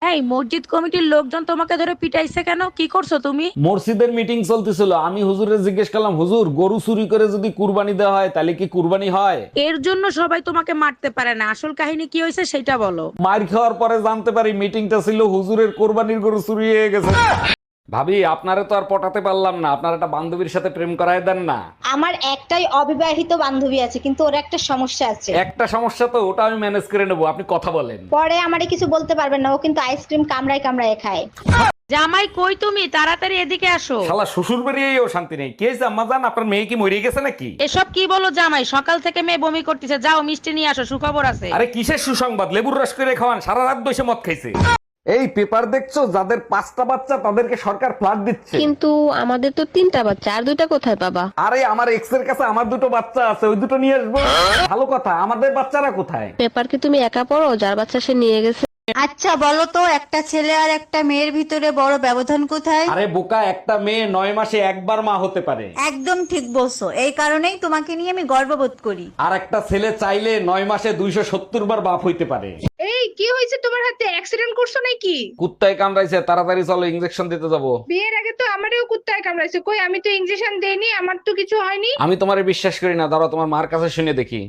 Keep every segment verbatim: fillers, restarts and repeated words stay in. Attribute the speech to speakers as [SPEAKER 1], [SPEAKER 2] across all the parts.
[SPEAKER 1] এই মসজিদ কমিটির লোকজন তোমাকে ধরে পিটাইছে কেন? কি করছো তুমি?
[SPEAKER 2] মসজিদের মিটিং চলতেছিল, আমি হুজুরে জিজ্ঞেস করলাম, হুজুর গরু চুরি করে যদি কুরবানি দেওয়া হয় তাহলে কি কুরবানি হয়?
[SPEAKER 1] এর জন্য সবাই তোমাকে মারতে পারে না, আসল কাহিনী কি হয়েছে সেটা বলো।
[SPEAKER 2] মার খাওয়ার পরে জানতে পারি মিটিংটা ছিল হুজুরের কোরবানির গরু চুরি হয়ে গেছে। ভাবি, আপনারে তো আর পটাতে পারলাম না, আপনার একটা বান্ধবীর সাথে প্রেম করায় দেন না।
[SPEAKER 3] আমার একটাই অবিবাহিত বান্ধবী আছে, কিন্তু ওর একটা সমস্যা আছে।
[SPEAKER 2] একটা সমস্যা তো, ওটা আমি ম্যানেজ করে নেবো, আপনি কথা বলেন।
[SPEAKER 3] পরে আমারে কিছু বলতে পারবেন না, ও কিন্তু আইসক্রিম কামড়ায় কামড়ায় খায়।
[SPEAKER 1] জামাই কই তুমি? তাড়াতাড়ি এদিকে আসো।
[SPEAKER 2] শালা শ্বশুর বেরিয়েও শান্তি নেই। কে জাম্মা জান, আপনার মেয়ে কি মরে গেছে নাকি?
[SPEAKER 1] এসব কি বলো জামাই? সকাল থেকে মেয়ে বমি করতেছে, যাও মিষ্টি নিয়ে আসো, সুখবর আছে।
[SPEAKER 2] আরে কিসের সুসংবাদ? লেবুর রস করে খাওয়ান, সারা রাত বসে মদ খাইছে। এই পেপার দেখছো, যাদের পাঁচটা বাচ্চা তাদেরকে সরকার ফ্ল্যাট দিচ্ছে।
[SPEAKER 4] কিন্তু আমাদের তো তিনটা বাচ্চা, আর দুইটা কোথায় পাবা?
[SPEAKER 2] আরে আমার এক্স এর কাছে আমার দুটো বাচ্চা আছে, ওই দুটো নিয়ে আসবো। ভালো কথা, আমাদের বাচ্চারা কোথায়?
[SPEAKER 4] পেপার কি তুমি একা পড়ো? যার বাচ্চা সে নিয়ে গেছে।
[SPEAKER 5] আচ্ছা বলো তো, একটা ছেলে আর একটা মেয়ের ভিতরে বড় ব্যবধান কোথায়?
[SPEAKER 2] আরে বোকা, একটা মেয়ে নয় মাসে একবার মা হতে পারে।
[SPEAKER 5] একদম ঠিক বলছো, এই কারণেই তোমাকে নিয়ে আমি গর্ববোধ করি।
[SPEAKER 2] আর একটা ছেলে চাইলে নয় মাসে দুইশো সত্তর বার বাপ হইতে পারে।
[SPEAKER 6] এই কি হয়েছে তোমার? হাতে অ্যাক্সিডেন্ট করছো নাকি?
[SPEAKER 2] কুত্তায় কামড়াইছে, তাড়াতাড়ি চলো, ইঞ্জেকশন দিতে যাবো।
[SPEAKER 6] বিয়ের আগে তো আমারও কুত্তায় কামড়াইছে, কই আমি তো ইনজেকশন দেইনি, আমার তো কিছু হয়নি।
[SPEAKER 2] আমি তোমারে বিশ্বাস করি না, দাঁড়াও তোমার মার কাছে শুনে দেখি।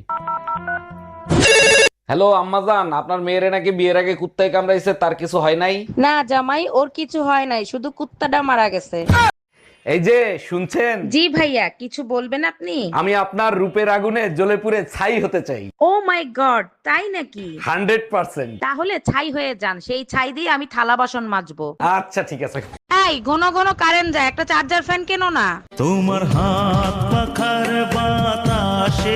[SPEAKER 2] হ্যালো আম্মাজান, আপনার মেয়েরে নাকি বিয়ের আগে কুত্তায় কামড়াইছে, তার কিছু হয় নাই?
[SPEAKER 1] না জামাই, ওর কিছু হয় নাই, শুধু কুত্তাটা মারা গেছে।
[SPEAKER 2] এই যে শুনছেন,
[SPEAKER 1] জি ভাইয়া, কিছু বলবেন আপনি?
[SPEAKER 2] আমি আপনার রূপের আগুনে জ্বলে পুড়ে ছাই হতে চাই।
[SPEAKER 1] ও মাই গড, তাই নাকি?
[SPEAKER 2] Hundred percent.
[SPEAKER 1] তাহলে ছাই হয়ে যান, সেই ছাই দিয়ে আমি থালা বাসন মাজবো।
[SPEAKER 2] আচ্ছা ঠিক আছে।
[SPEAKER 1] এই ঘন ঘন কারেন্ট যায়, একটা চার্জার ফ্যান কেন না?
[SPEAKER 7] তোমার হাত পাখার বাতাসে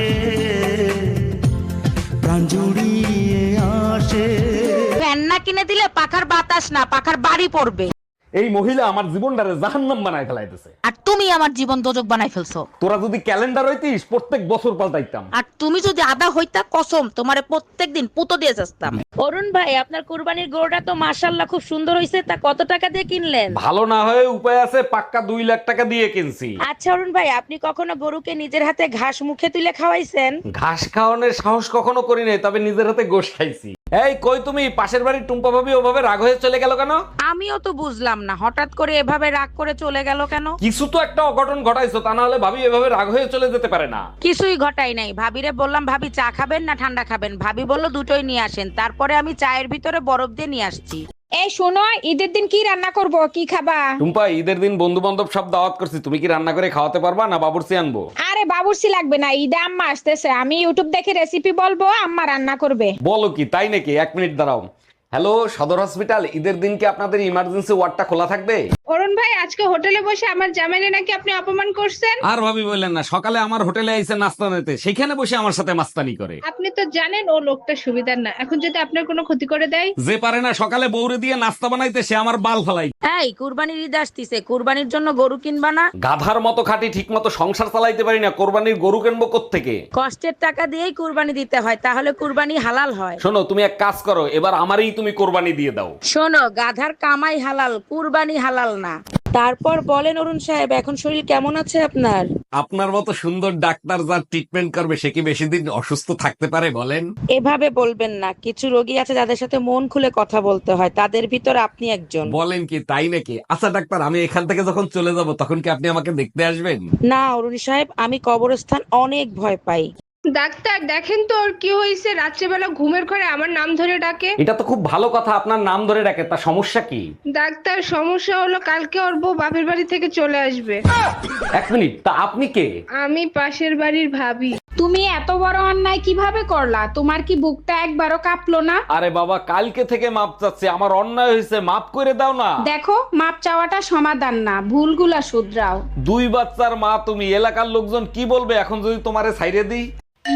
[SPEAKER 7] প্রাণ জুড়িয়ে আসে।
[SPEAKER 1] ফ্যান না কিনে দিলে পাখার বাতাস না, পাখার বাড়ি পড়বে।
[SPEAKER 2] এই মহিলা আমার জীবনটারে জাহান্নাম বানায় ফেলাইতেছে।
[SPEAKER 1] আর তুমি আমার জীবন দোজক বানাই ফেলছো।
[SPEAKER 2] তোরা যদি ক্যালেন্ডার হইতিস প্রত্যেক বছর পাল্টাইতাম।
[SPEAKER 1] আর তুমি যদি আদা হইতা, কসম তোমারে প্রত্যেকদিন পুতো দিয়ে যাস্তাম। অরুণ ভাই, আপনার কুরবানির গরুটা তো মাশাআল্লাহ খুব সুন্দর হইছে, তা কত টাকা দিয়ে কিনলেন?
[SPEAKER 2] ভালো না হয়ে উপায় আছে, পাক্কা দুই লাখ টাকা দিয়ে কিনছি।
[SPEAKER 1] আচ্ছা অরুণ ভাই, আপনি কখনো গরুকে নিজের হাতে ঘাস মুখে তুলে খাওয়াইছেন?
[SPEAKER 2] ঘাস খাওয়ানোর সাহস কখনো করি নাই, তবে নিজের হাতে গোশ খাইছি। এই কই তুমি? পাশের বাড়ির টুম্পা ভাবি ওভাবে রাগ হয়ে চলে গেল কেন?
[SPEAKER 1] আমিও তো বুঝলাম না, হঠাৎ করে এভাবে রাগ করে চলে গেল কেন?
[SPEAKER 2] কিছু তো একটা অঘটন ঘটাইছো, তা না হলে ভাবি এভাবে রাগ হয়ে চলে যেতে পারে না।
[SPEAKER 1] কিছুই ঘটাই নাই। ভাবিরে বললাম, ভাবি চা খাবেন না ঠান্ডা খাবেন? ভাবি বললো দুটোই নিয়ে আসেন। তারপরে আমি চায়ের ভিতরে বরফ দিয়ে নিয়ে আসছি।
[SPEAKER 6] এই শোনো, ঈদের দিন কি রান্না করব, কি খাবা?
[SPEAKER 2] টুম্পা, ঈদের দিন বন্ধু বান্ধব সব দাওয়াত করছি, তুমি কি রান্না করে খাওয়াতে পারবা না বাবুর্চি আনবো?
[SPEAKER 6] আরে বাবুর্চি লাগবে না, ঈদে আম্মা আসতেছে, আমি ইউটিউব দেখে রেসিপি বলবো, আম্মা রান্না করবে।
[SPEAKER 2] বলো কি, তাই নাকি? এক মিনিট দাঁড়াও। হ্যালো সদর হসপিটাল, ঈদের দিন কি আপনাদের ইমার্জেন্সি ওয়ার্ডটা খোলা থাকবে?
[SPEAKER 6] অরুণ ভাই, আজকে হোটেলে বসে আমার জামাইনে নাকি আপনি অপমান করছেন।
[SPEAKER 2] আর ভাবি বললেন না, সকালে আমার হোটেলে আইসে নাস্তা নিতে, সেখানে বসে আমার সাথে মাস্তানি করে।
[SPEAKER 6] আপনি তো জানেন ও লোকটা সুবিধার না, এখন যদি আপনার কোনো ক্ষতি করে দেয়।
[SPEAKER 2] যে পারে না সকালে বউরে দিয়ে নাস্তা বানাইতে, সে আমার বাল ফালাই।
[SPEAKER 1] এই কুরবানির ঈদ আসতিছে, কুরবানির জন্য গরু কিনবা না?
[SPEAKER 2] গাধার মতো খাটি, ঠিক মতো সংসার চালাইতে পারি না, কোরবানির গরু কিনবো কোত্থেকে?
[SPEAKER 1] কষ্টের টাকা দিয়েই কুরবানি দিতে হয়, তাহলে কুরবানি হালাল হয়।
[SPEAKER 2] শোনো, তুমি এক কাজ করো, এবার আমারই তুমি কোরবানি দিয়ে দাও।
[SPEAKER 1] শোনো, গাধার কামাই হালাল, কুরবানি হালাল না। তারপর বলেন অরুণ সাহেব, এখন শরীর কেমন আছে আপনার?
[SPEAKER 2] আপনার মতো সুন্দর ডাক্তার যার ট্রিটমেন্ট করবে, সে কি বেশি দিন অসুস্থ থাকতে পারে বলেন?
[SPEAKER 1] এভাবে বলবেন না, কিছু রোগী আছে যাদের সাথে মন খুলে কথা বলতে হয়, তাদের ভিতর আপনি একজন।
[SPEAKER 2] বলেন কি, তাই নাকি? আচ্ছা ডাক্তার, আমি এখান থেকে যখন চলে যাব তখন কি আপনি আমাকে দেখতে আসবেন?
[SPEAKER 1] না অরুণ সাহেব, আমি কবরস্থান অনেক ভয় পাই।
[SPEAKER 6] ডাক্তার দেখেন তো ওর কি হয়েছে, রাত্রেবেলা ঘুমের ঘরে আমার নাম ধরে ডাকে।
[SPEAKER 2] এটা তো খুব ভালো কথা, আপনার নাম ধরে ডাকে, তা সমস্যা কি?
[SPEAKER 6] ডাক্তার, সমস্যা হলো কালকে ওর বউ বাপের বাড়ি থেকে চলে আসবে।
[SPEAKER 2] এক মিনিট, তা আপনি কে?
[SPEAKER 6] আমি পাশের বাড়ির ভাবি। তুমি এত বড় অন্যায় কিভাবে করলা? তোমার কি বুকটা একবারও কাঁপলো না?
[SPEAKER 2] আরে বাবা, কালকে থেকে মাপ চাচ্ছি, আমার অন্যায় হয়েছে, মাপ করে দাও না।
[SPEAKER 6] দেখো, মাপ চাওয়াটা সমাধান না, ভুলগুলা শুধরাও।
[SPEAKER 2] দুই বাচ্চার মা তুমি, এলাকার লোকজন কি বলবে এখন যদি তোমারে ছাইরে দিই?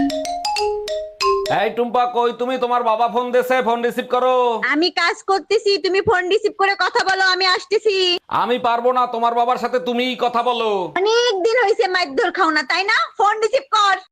[SPEAKER 2] এই টুম্পা, কই তুমি? তোমার বাবা ফোন দিয়েছে, ফোন রিসিভ করো।
[SPEAKER 5] আমি কাজ করতেছি, তুমি ফোন রিসিভ করে কথা বলো, আমি আসতেছি।
[SPEAKER 2] আমি পারবো না, তোমার বাবার সাথে তুমিই কথা বলো।
[SPEAKER 5] অনেক দিন হয়েছে মাইর ধর খাও না, তাই না? ফোন রিসিভ কর।